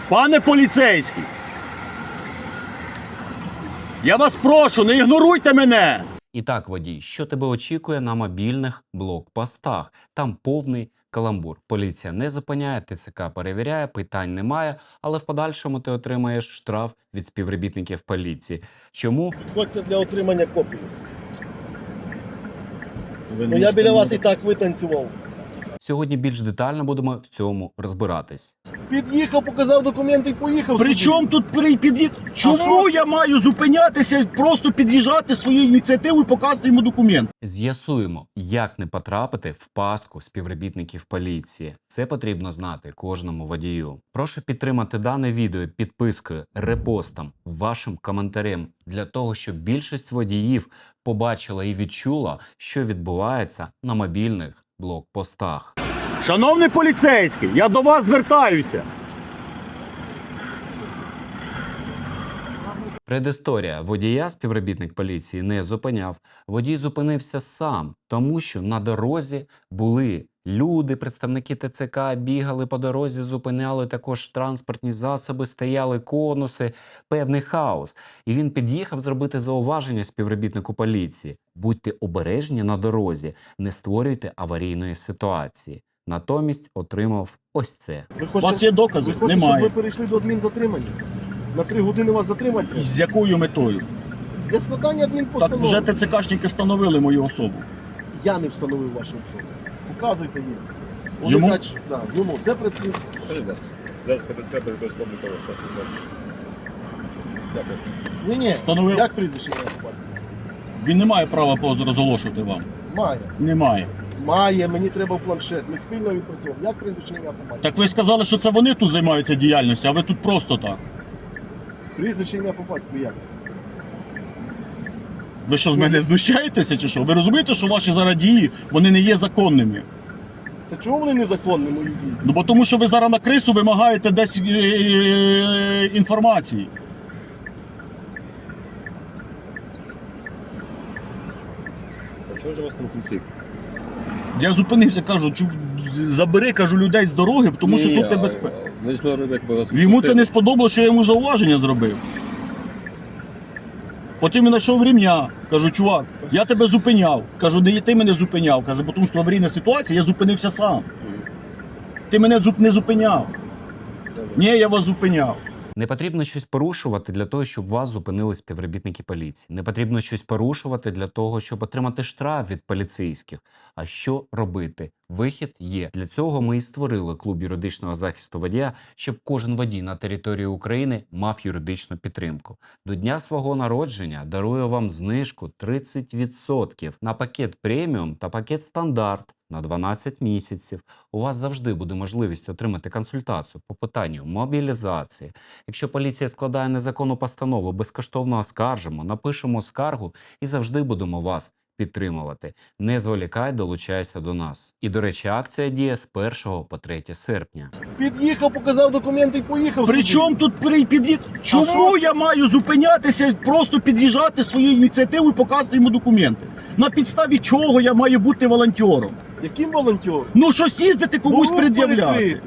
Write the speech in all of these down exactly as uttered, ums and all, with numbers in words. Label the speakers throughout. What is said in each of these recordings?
Speaker 1: Пане поліцейський, я вас прошу, не ігноруйте мене.
Speaker 2: І так, водій, що тебе очікує на мобільних блокпостах? Там повний каламбур. Поліція не зупиняє, ТЦК перевіряє, питань немає, але в подальшому ти отримаєш штраф від співробітників поліції. Чому?
Speaker 3: Підходьте для отримання копії.
Speaker 1: Ви
Speaker 3: Ну я біля вас і так витанцював.
Speaker 2: Сьогодні більш детально будемо в цьому розбиратись.
Speaker 3: Під'їхав, показав документи і поїхав.
Speaker 1: При
Speaker 3: собі.
Speaker 1: чому тут при- під'їзд? Чому
Speaker 3: що?
Speaker 1: я маю зупинятися, просто під'їжджати своєю ініціативою і показувати йому документ?
Speaker 2: З'ясуємо, як не потрапити в пастку співробітників поліції. Це потрібно знати кожному водію. Прошу підтримати дане відео підпискою, репостом, вашим коментарем, для того, щоб більшість водіїв побачила і відчула, що відбувається на мобільних блокпостах.
Speaker 1: Шановний поліцейський, я до вас звертаюся.
Speaker 2: Предісторія. Водія співробітник поліції не зупиняв. Водій зупинився сам, тому що на дорозі були люди, представники ТЦК, бігали по дорозі, зупиняли також транспортні засоби, стояли конуси, певний хаос. І він під'їхав зробити зауваження співробітнику поліції. Будьте обережні на дорозі, не створюйте аварійної ситуації. Натомість отримав ось це.
Speaker 3: Ви
Speaker 1: У
Speaker 3: хочете,
Speaker 1: вас є докази?
Speaker 3: ви хочете,
Speaker 1: Немає.
Speaker 3: щоб ви перейшли до адмінзатримання? На три години вас затримати? треба?
Speaker 1: З якою метою?
Speaker 3: Для складання
Speaker 1: Так
Speaker 3: адмінпостанови.
Speaker 1: вже ТЦКшники встановили мою особу.
Speaker 3: Я не встановив вашу особу. Показуйте їм.
Speaker 1: Йому?
Speaker 3: Олегач, да, йому. Це працює.
Speaker 4: Зараз КТЦ передає слово того, що Дякую.
Speaker 3: Ні, ні.
Speaker 1: Встановив.
Speaker 3: Як прізвище ім'я по батькові?
Speaker 1: Він не має права розголошувати вам.
Speaker 3: Має.
Speaker 1: Немає.
Speaker 3: Має, мені треба в планшет. Ми спільно відпрацьовуємо. Як прізвище ім'я по батькові?
Speaker 1: Так ви сказали, що це вони тут займаються діяльністю, а ви тут просто так.
Speaker 3: Прізвище ім'я по батькові як?
Speaker 1: Ви що, з мене знущаєтеся чи що? Ви розумієте, що ваші зараз дії, вони не є законними?
Speaker 3: Це чому вони незаконні, мої дії?
Speaker 1: Ну бо тому, що ви зараз на крису вимагаєте десь е, е, інформації.
Speaker 4: А чого ж у вас там конфлікт?
Speaker 1: Я зупинився, кажу, чу, забери, кажу, людей з дороги, тому що тут небезпека.
Speaker 4: Ну, якщо якби вас
Speaker 1: Йому це не сподобалося, що я йому зауваження зробив. Потім він знайшов рівня. Кажу, чувак, я тебе зупиняв. Кажу, не ти мене зупиняв. Кажу, бо тому що аварійна ситуація, я зупинився сам. Ти мене зуп- не зупиняв. Ні, я вас зупиняв.
Speaker 2: Не потрібно щось порушувати для того, щоб вас зупинили співробітники поліції. Не потрібно щось порушувати для того, щоб отримати штраф від поліцейських. А що робити? Вихід є. Для цього ми і створили клуб юридичного захисту водія, щоб кожен водій на території України мав юридичну підтримку. До дня свого народження дарую вам знижку тридцять відсотків на пакет преміум та пакет стандарт на дванадцять місяців. У вас завжди буде можливість отримати консультацію по питанню мобілізації. Якщо поліція складає незаконну постанову, безкоштовно оскаржимо, напишемо скаргу і завжди будемо вас підтримувати. Не зволікай, долучайся до нас. І, до речі, акція діє з першого по третє серпня.
Speaker 3: Під'їхав, показав документи і поїхав.
Speaker 1: При
Speaker 3: собі.
Speaker 1: чому тут при під'їзд? Чому
Speaker 3: що?
Speaker 1: я маю зупинятися, просто під'їжджати своєю ініціативою і показувати йому документи? На підставі чого я маю бути волонтером?
Speaker 3: Яким волонтером?
Speaker 1: Ну щось їздити комусь
Speaker 3: Ну,
Speaker 1: пред'являти.
Speaker 3: перекритий.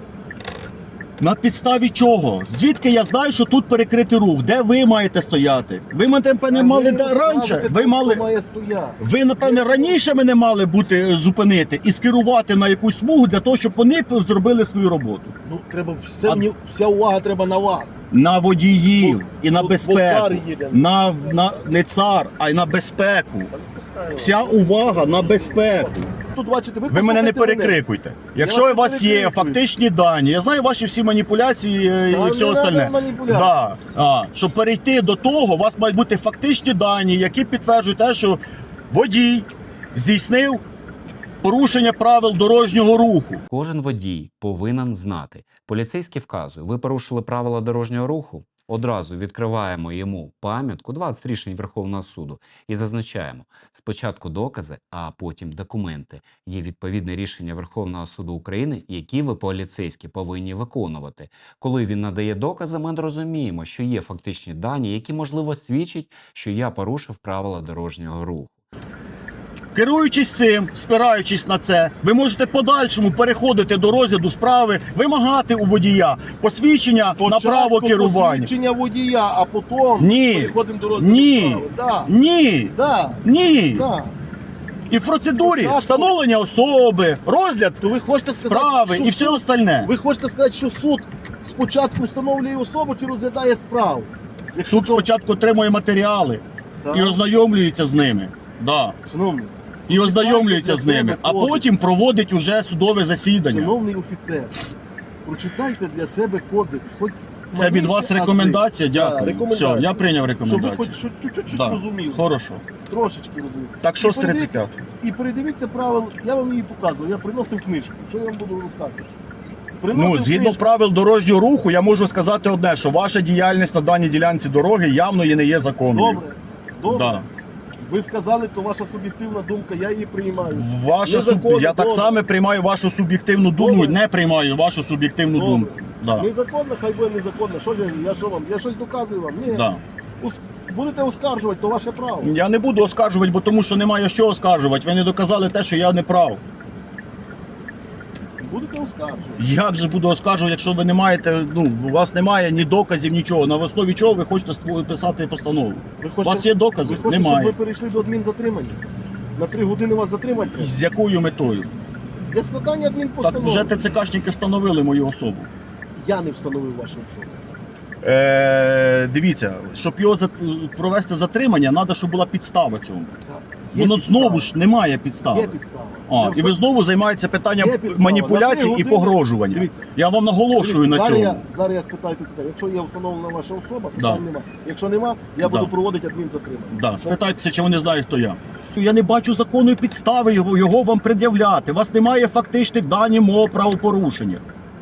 Speaker 1: На підставі чого? Звідки я знаю, що тут перекритий рух? Де ви маєте стояти? Ви мене, напевне,
Speaker 3: А
Speaker 1: мали
Speaker 3: ви
Speaker 1: да- раніше.
Speaker 3: розставите
Speaker 1: Ви
Speaker 3: тут,
Speaker 1: мали.
Speaker 3: хто має стояти.
Speaker 1: Ви, напевне, раніше мене мали бути е, зупинити і скерувати на якусь смугу для того, щоб вони зробили свою роботу.
Speaker 3: Ну, треба все,
Speaker 1: А-
Speaker 3: мені- вся увага треба на вас.
Speaker 1: На водіїв і на
Speaker 3: Бо- бо
Speaker 1: безпеку.
Speaker 3: цар їде.
Speaker 1: На, на не цар, а й на безпеку. Вся увага на безпеку.
Speaker 3: Тут бачите, ви
Speaker 1: Ви мене не
Speaker 3: послухайте
Speaker 1: перекрикуйте. Якщо
Speaker 3: вас
Speaker 1: у вас
Speaker 3: не
Speaker 1: є
Speaker 3: перекрикую.
Speaker 1: фактичні дані, я знаю ваші всі маніпуляції е,
Speaker 3: Та
Speaker 1: і все
Speaker 3: не
Speaker 1: остальне.
Speaker 3: надо маніпуляцій.
Speaker 1: Да. А, щоб перейти до того, у вас мають бути фактичні дані, які підтверджують те, що водій здійснив порушення правил дорожнього руху.
Speaker 2: Кожен водій повинен знати. Поліцейський вказує, ви порушили правила дорожнього руху, одразу відкриваємо йому пам'ятку, двадцять рішень Верховного суду, і зазначаємо спочатку докази, а потім документи. Є відповідне рішення Верховного суду України, які ви, поліцейські, повинні виконувати. Коли він надає докази, ми розуміємо, що є фактичні дані, які, можливо, свідчать, що я порушив правила дорожнього руху.
Speaker 1: Керуючись цим, спираючись на це, ви можете в подальшому переходити до розгляду справи, вимагати у водія посвідчення на право керування.
Speaker 3: Посвідчення водія, а потім
Speaker 1: Ні.
Speaker 3: переходимо до розгляду
Speaker 1: Ні.
Speaker 3: справи. Да.
Speaker 1: Ні,
Speaker 3: Да.
Speaker 1: ні.
Speaker 3: Да.
Speaker 1: І в процедурі
Speaker 3: Спочатку-
Speaker 1: встановлення особи, розгляд
Speaker 3: То ви хочете сказати,
Speaker 1: справи
Speaker 3: що
Speaker 1: і все
Speaker 3: суд-
Speaker 1: остальне.
Speaker 3: ви хочете сказати, що суд спочатку встановлює особу чи розглядає справу? Якщо
Speaker 1: Суд
Speaker 3: то-
Speaker 1: спочатку отримує матеріали
Speaker 3: Да.
Speaker 1: і ознайомлюється з ними. Да.
Speaker 3: Шановний,
Speaker 1: І ознайомлюється
Speaker 3: для
Speaker 1: з ними,
Speaker 3: себе
Speaker 1: а
Speaker 3: кодекс.
Speaker 1: потім проводить уже судове засідання.
Speaker 3: шановний офіцер, прочитайте для себе кодекс. Хоч
Speaker 1: Це від вас
Speaker 3: маліші ази.
Speaker 1: рекомендація?
Speaker 3: Да,
Speaker 1: Дякую.
Speaker 3: рекомендація.
Speaker 1: Все, я прийняв
Speaker 3: Щоб ви
Speaker 1: рекомендацію.
Speaker 3: хоч що- чуть-чуть щось
Speaker 1: Да.
Speaker 3: розуміли.
Speaker 1: Хорошо.
Speaker 3: Трошечки розуміли.
Speaker 1: Так що
Speaker 3: І
Speaker 1: з тридцять
Speaker 3: передивіться- І передивіться правил, я вам її показував, я приносив книжку. Що я вам буду розказувати? Приносив
Speaker 1: Ну, згідно
Speaker 3: книжку.
Speaker 1: правил дорожнього руху, я можу сказати одне, що ваша діяльність на даній ділянці дороги явно і не є законною.
Speaker 3: Добре, добре.
Speaker 1: Да.
Speaker 3: Ви сказали, то ваша суб'єктивна думка, я її приймаю.
Speaker 1: Ваша суб...
Speaker 3: Незаконно,
Speaker 1: Я так
Speaker 3: добре.
Speaker 1: само приймаю вашу суб'єктивну думку,
Speaker 3: Добре.
Speaker 1: не приймаю вашу суб'єктивну
Speaker 3: Добре.
Speaker 1: думку. Да.
Speaker 3: Незаконно, хай буде незаконно. Що я, я що вам? Я щось доказую вам? Ні.
Speaker 1: Да.
Speaker 3: Ус- Будете оскаржувати, то ваше право.
Speaker 1: Я не буду оскаржувати, бо тому що немає що оскаржувати. Ви не доказали те, що я не прав.
Speaker 3: Будете оскаржувати.
Speaker 1: Як же буду оскаржувати, якщо ви не маєте, ну, у вас немає ні доказів, нічого. На основі чого ви хочете ству- писати постанову?
Speaker 3: Ви
Speaker 1: У вас є докази?
Speaker 3: ви хочете,
Speaker 1: Немає.
Speaker 3: щоб ви перейшли до адмінзатримання? На три години вас затримати треба?
Speaker 1: З якою метою?
Speaker 3: Для складання
Speaker 1: Так
Speaker 3: адмінпостанови.
Speaker 1: вже ТЦКшники встановили мою особу.
Speaker 3: Я не встановив вашу особу.
Speaker 1: Е, дивіться, щоб його зат- провести затримання, треба, щоб була підстава цьому.
Speaker 3: Є
Speaker 1: Воно
Speaker 3: підстава.
Speaker 1: знову ж немає підстави.
Speaker 3: Є підстава.
Speaker 1: А,
Speaker 3: Я
Speaker 1: і ви
Speaker 3: встав-
Speaker 1: знову займаєтеся питанням
Speaker 3: Є підстава.
Speaker 1: маніпуляцій
Speaker 3: На три
Speaker 1: і
Speaker 3: години-
Speaker 1: погрожування.
Speaker 3: Дивіться.
Speaker 1: Я вам наголошую на
Speaker 3: зараз
Speaker 1: цьому.
Speaker 3: Я, зараз я спитаю ТЦК. Якщо є встановлена ваша особа,
Speaker 1: Да.
Speaker 3: питань нема. Якщо нема, я буду
Speaker 1: Да.
Speaker 3: проводити адмінзатримання.
Speaker 1: Да, спитайтеся, чи вони знають, хто я. Я не бачу законної підстави його, його вам пред'являти. У вас немає фактичних даних мого правопорушення.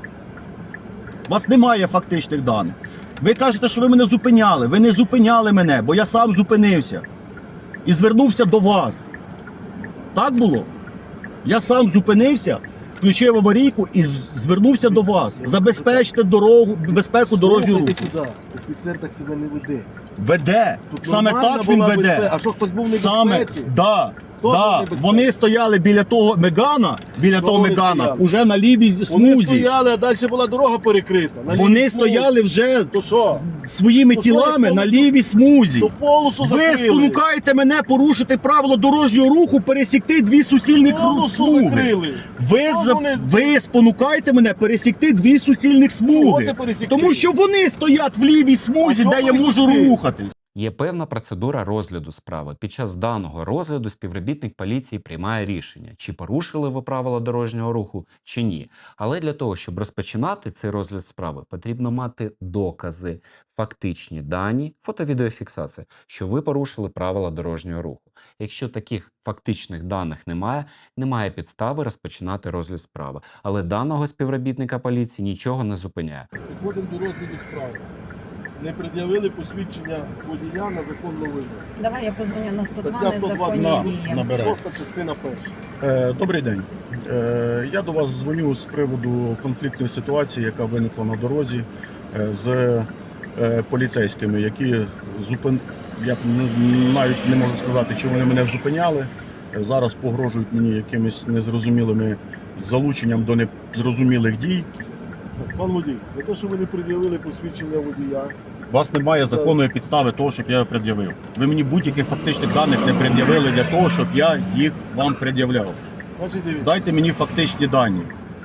Speaker 1: У вас немає фактичних даних. Ви кажете, що ви мене зупиняли. Ви не зупиняли мене, бо я сам зупинився. І звернувся до вас. Так було? Я сам зупинився, включив аварійку і з- звернувся до вас. Забезпечте дорогу, безпеку дорожнього руху.
Speaker 3: Слухайте сюди. Офіцер так себе не веде.
Speaker 1: Веде.
Speaker 3: Тут
Speaker 1: Саме
Speaker 3: нормальна
Speaker 1: так він
Speaker 3: була
Speaker 1: веде.
Speaker 3: безпека. А що, хтось був в
Speaker 1: Саме,
Speaker 3: небезпеці?
Speaker 1: да,
Speaker 3: Хто був в
Speaker 1: да.
Speaker 3: небезпеці?
Speaker 1: Вони стояли біля того Мегана, біля
Speaker 3: Що
Speaker 1: того
Speaker 3: вони
Speaker 1: Мегана,
Speaker 3: стояли?
Speaker 1: уже на лівій
Speaker 3: Вони
Speaker 1: смузі.
Speaker 3: стояли, а далі була дорога перекрита. На
Speaker 1: Вони
Speaker 3: лівій смузі.
Speaker 1: стояли вже
Speaker 3: То що?
Speaker 1: своїми
Speaker 3: То що, як
Speaker 1: тілами на
Speaker 3: полосу-
Speaker 1: лівій смузі.
Speaker 3: То полосу
Speaker 1: Ви
Speaker 3: закрили.
Speaker 1: спонукаєте мене порушити правило дорожнього руху, пересікти дві суцільних
Speaker 3: Полосу
Speaker 1: смуги.
Speaker 3: закрили.
Speaker 1: Ви,
Speaker 3: Що
Speaker 1: за-
Speaker 3: вони-
Speaker 1: ви спонукаєте мене пересікти дві суцільних
Speaker 3: Чого
Speaker 1: смуги.
Speaker 3: це пересікти?
Speaker 1: Тому що вони стоять в лівій смузі,
Speaker 3: А
Speaker 1: де
Speaker 3: що
Speaker 1: я можу
Speaker 3: пересікти?
Speaker 1: рухатись.
Speaker 2: Є певна процедура розгляду справи. Під час даного розгляду співробітник поліції приймає рішення, чи порушили ви правила дорожнього руху, чи ні. Але для того, щоб розпочинати цей розгляд справи, потрібно мати докази, фактичні дані, фото-відеофіксація, що ви порушили правила дорожнього руху. Якщо таких фактичних даних немає, немає підстави розпочинати розгляд справи. Але даного співробітника поліції нічого не зупиняє.
Speaker 3: Підходимо до розгляду справи. Не пред'явили посвідчення водія на законну вимогу.
Speaker 5: Давай я позвоню на сто два
Speaker 3: Стаття сто два
Speaker 5: незаконні
Speaker 1: на-
Speaker 5: дії.
Speaker 1: на- Набирай.
Speaker 3: Шоста частина перша.
Speaker 1: Е, Добрий день. Е, Я до вас дзвоню з приводу конфліктної ситуації, яка виникла на дорозі е, з е, поліцейськими, які зупин... я не- навіть не можу сказати, чи вони мене зупиняли. Е, Зараз погрожують мені якимись незрозумілими залученням до незрозумілих дій.
Speaker 3: Пан водій, за те, що ви не пред'явили посвідчення водія,
Speaker 1: У вас немає законної підстави того, щоб я його пред'явив. Ви мені будь-яких фактичних даних не пред'явили для того, щоб я їх вам пред'являв.
Speaker 3: значить дивіться.
Speaker 1: Дайте мені фактичні дані.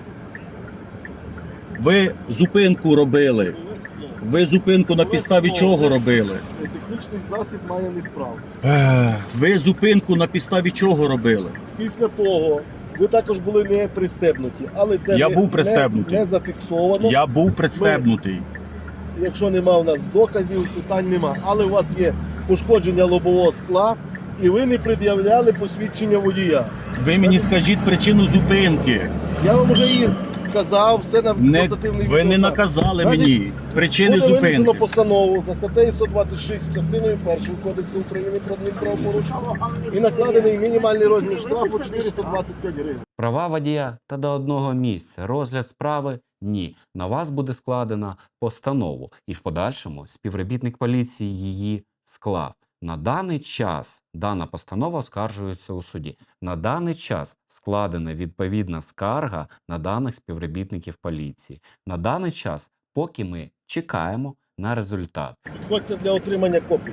Speaker 1: Ви зупинку робили. Ви зупинку на підставі чого робили?
Speaker 3: Технічний засіб має несправність.
Speaker 1: Ех, Ви зупинку на підставі чого робили?
Speaker 3: Після того ви також були не пристебнуті, але це
Speaker 1: Я
Speaker 3: не,
Speaker 1: був пристебнутий.
Speaker 3: не, не зафіксовано.
Speaker 1: Я був представнутий.
Speaker 3: Якщо нема у нас доказів, питань нема. Але у вас є пошкодження лобового скла, і ви не пред'являли посвідчення водія.
Speaker 1: Ви мені скажіть причину зупинки.
Speaker 3: Я вам вже її казав, все на
Speaker 1: Не,
Speaker 3: портативний
Speaker 1: ви не
Speaker 3: відеокамері.
Speaker 1: наказали
Speaker 3: Значить,
Speaker 1: мені причини
Speaker 3: Буде винесено
Speaker 1: зупинки.
Speaker 3: постанову за статтею сто двадцять шість частиною першої Кодексу України про адмінправопорушення і накладений мінімальний розмір штрафу чотириста двадцять п'ять гривень.
Speaker 2: Права водія та до одного місця. Розгляд справи – ні. На вас буде складена постанову. І в подальшому співробітник поліції її склав. На даний час дана постанова оскаржується у суді. На даний час складена відповідна скарга на даних співробітників поліції. На даний час, поки ми чекаємо на результат.
Speaker 3: Підходьте для отримання копії.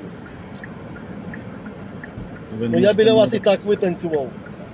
Speaker 1: Ви
Speaker 3: Ну
Speaker 1: не
Speaker 3: я біля вас і
Speaker 1: можете-
Speaker 3: так витанцював.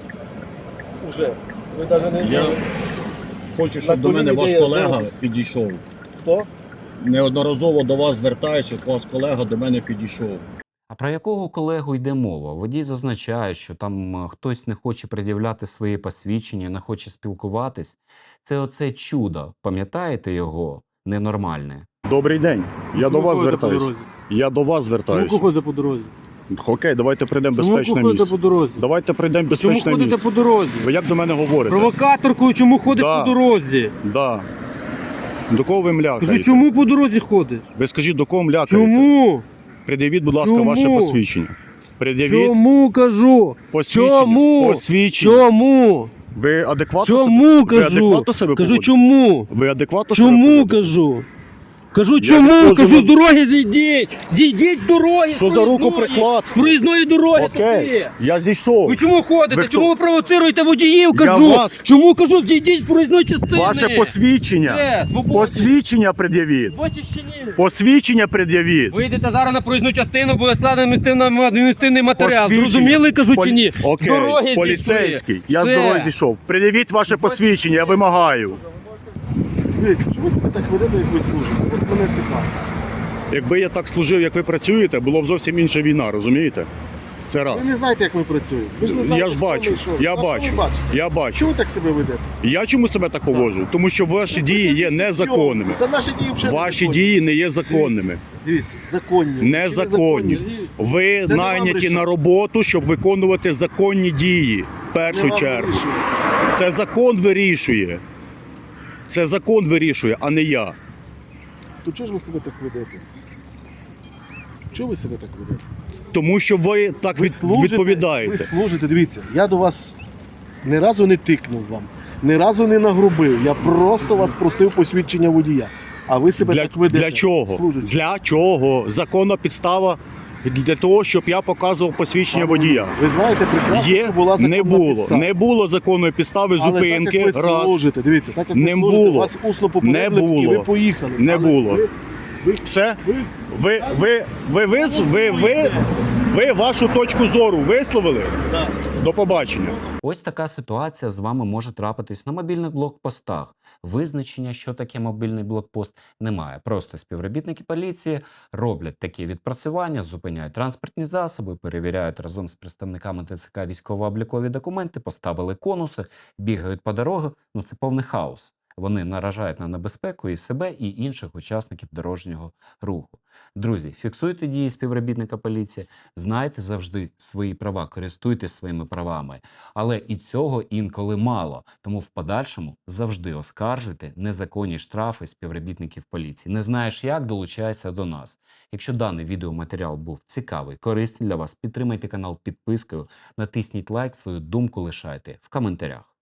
Speaker 3: Уже. Ви навіть не
Speaker 1: Я хочу, щоб до мене ваш
Speaker 3: коліні
Speaker 1: колега
Speaker 3: де-
Speaker 1: підійшов.
Speaker 3: Хто?
Speaker 1: Неодноразово до вас звертаючись, ваш колега до мене підійшов.
Speaker 2: А про якого колегу йде мова? Водій зазначає, що там е, хтось не хоче пред'являти свої посвідчення, не хоче спілкуватись. Це оце чудо, пам'ятаєте його? Ненормальне.
Speaker 1: Добрий день. Я до вас звертаюся. Я до вас
Speaker 5: Чому
Speaker 1: звертаюся.
Speaker 5: ходите по дорозі?
Speaker 1: Окей, давайте прийдемо в
Speaker 5: Чому
Speaker 1: безпечне
Speaker 5: ходите
Speaker 1: місце.
Speaker 5: по дорозі?
Speaker 1: Давайте прийдемо в
Speaker 5: Чому
Speaker 1: безпечне
Speaker 5: ходите
Speaker 1: місце.
Speaker 5: по дорозі?
Speaker 1: Ви як до мене говорите?
Speaker 5: Провокаторкою чому ходиш
Speaker 1: Да.
Speaker 5: по дорозі?
Speaker 1: Да. До кого ви млякаєте?
Speaker 5: Кажу, чому по дорозі ходиш?
Speaker 1: Ви скажіть, до кого млякаєте?
Speaker 5: Чому?
Speaker 1: Пред'явіть, будь ласка,
Speaker 5: Чому?
Speaker 1: ваше посвідчення. Пред'явіть
Speaker 5: Чому кажу?
Speaker 1: посвідчення.
Speaker 5: Чому?
Speaker 1: Посвідчення.
Speaker 5: Чому?
Speaker 1: Ви адекватно
Speaker 5: Чому
Speaker 1: себе... Ви
Speaker 5: кажу?
Speaker 1: адекватно себе
Speaker 5: Кажу,
Speaker 1: поводите?
Speaker 5: чому?
Speaker 1: Ви адекватно себе
Speaker 5: Чому
Speaker 1: поводите?
Speaker 5: кажу? Кажу,
Speaker 1: Я
Speaker 5: чому?
Speaker 1: відходжу
Speaker 5: Кажу,
Speaker 1: на-
Speaker 5: з дороги зійдіть! Зійдіть з дороги!
Speaker 1: Що
Speaker 5: з
Speaker 1: за руку
Speaker 5: проїзної!
Speaker 1: прикладство?
Speaker 5: З проїзної дороги
Speaker 1: Окей,
Speaker 5: туди!
Speaker 1: я зійшов.
Speaker 5: Ви чому ходите?
Speaker 1: Ви хто?
Speaker 5: Чому ви провоцируєте водіїв?
Speaker 1: Я
Speaker 5: Кажу!
Speaker 1: вас-
Speaker 5: Чому кажу, зійдіть з проїзної частини?
Speaker 1: Ваше посвідчення.
Speaker 5: Де? Свободі.
Speaker 1: Посвідчення пред'явіть.
Speaker 5: Бачиш чи ні?
Speaker 1: Посвідчення пред'явіть.
Speaker 5: Вийдете зараз на проїзну частину, буде складений адміністративний- адміністративний матеріал.
Speaker 1: Посвідчення.
Speaker 5: Зрозуміли, кажу,
Speaker 1: Полі-
Speaker 5: чи ні?
Speaker 1: Окей,
Speaker 5: З дороги зійшли.
Speaker 1: поліцейський. Я з
Speaker 5: Все.
Speaker 1: дороги зійшов. Пред'явіть ваше посвідчення, я вимагаю.
Speaker 3: Скажіть, чому ви себе так ведете, як ви служите? От мене цікаво.
Speaker 1: Якби я так служив, як ви працюєте, було б зовсім інша війна, розумієте? Це
Speaker 3: Ви
Speaker 1: раз.
Speaker 3: не знаєте, як ми працюємо. Ви ж не знаєте,
Speaker 1: Я ж
Speaker 3: хто ми
Speaker 1: бачу,
Speaker 3: і що.
Speaker 1: я
Speaker 3: А що
Speaker 1: бачу,
Speaker 3: ви бачите?
Speaker 1: я бачу.
Speaker 3: Чому ви так себе ведете?
Speaker 1: Я чому себе так поводжу? Тому що ваші дії є незаконними.
Speaker 3: Та наші дії вже
Speaker 1: Ваші
Speaker 3: незаконні.
Speaker 1: дії не є законними.
Speaker 3: Дивіться, законні. чи
Speaker 1: Незаконні. Ви
Speaker 3: Це не вам
Speaker 1: найняті
Speaker 3: рішати.
Speaker 1: на роботу, щоб виконувати законні дії. В
Speaker 3: Не
Speaker 1: першу
Speaker 3: вам
Speaker 1: чергу.
Speaker 3: вирішує.
Speaker 1: Це закон вирішує. Це закон вирішує, а не я.
Speaker 3: То чого ж ви себе так ведете? Чого ви себе так ведете?
Speaker 1: Тому що ви так
Speaker 3: Ви
Speaker 1: від...
Speaker 3: служите,
Speaker 1: відповідаєте.
Speaker 3: Ви служите, дивіться, я до вас ні разу не тикнув вам, ні разу не нагрубив. Я просто вас просив посвідчення водія. А ви себе
Speaker 1: Для,
Speaker 3: так ведете.
Speaker 1: для чого?
Speaker 3: служачи.
Speaker 1: Для чого? Законна підстава для того, щоб я показував посвідчення водія.
Speaker 3: Ви знаєте прекрасно,
Speaker 1: Є,
Speaker 3: що була законна
Speaker 1: не було.
Speaker 3: підстава.
Speaker 1: Не було законної підстави
Speaker 3: Але
Speaker 1: зупинки.
Speaker 3: так, як ви
Speaker 1: раз.
Speaker 3: служите, дивіться, так як
Speaker 1: Не
Speaker 3: ви служите,
Speaker 1: було.
Speaker 3: вас усно попередили
Speaker 1: Не було.
Speaker 3: і ви поїхали.
Speaker 1: Не
Speaker 3: Але
Speaker 1: було.
Speaker 3: Ви, ви,
Speaker 1: Все?
Speaker 3: ви,
Speaker 1: Ви, ви, ви, ви, ви, ви, ви вашу точку зору висловили?
Speaker 3: Да.
Speaker 1: До побачення.
Speaker 2: Ось така ситуація з вами може трапитись на мобільних блокпостах. Визначення, що таке мобільний блокпост, немає. Просто співробітники поліції роблять такі відпрацювання, зупиняють транспортні засоби, перевіряють разом з представниками ТЦК військово-облікові документи, поставили конуси, бігають по дорогах. Ну це повний хаос. Вони наражають на небезпеку і себе, і інших учасників дорожнього руху. Друзі, фіксуйте дії співробітника поліції, знайте завжди свої права, користуйтесь своїми правами. Але і цього інколи мало, тому в подальшому завжди оскаржуйте незаконні штрафи співробітників поліції. Не знаєш як, долучайся до нас. Якщо даний відеоматеріал був цікавий, корисний для вас, підтримайте канал підпискою, натисніть лайк, свою думку лишайте в коментарях.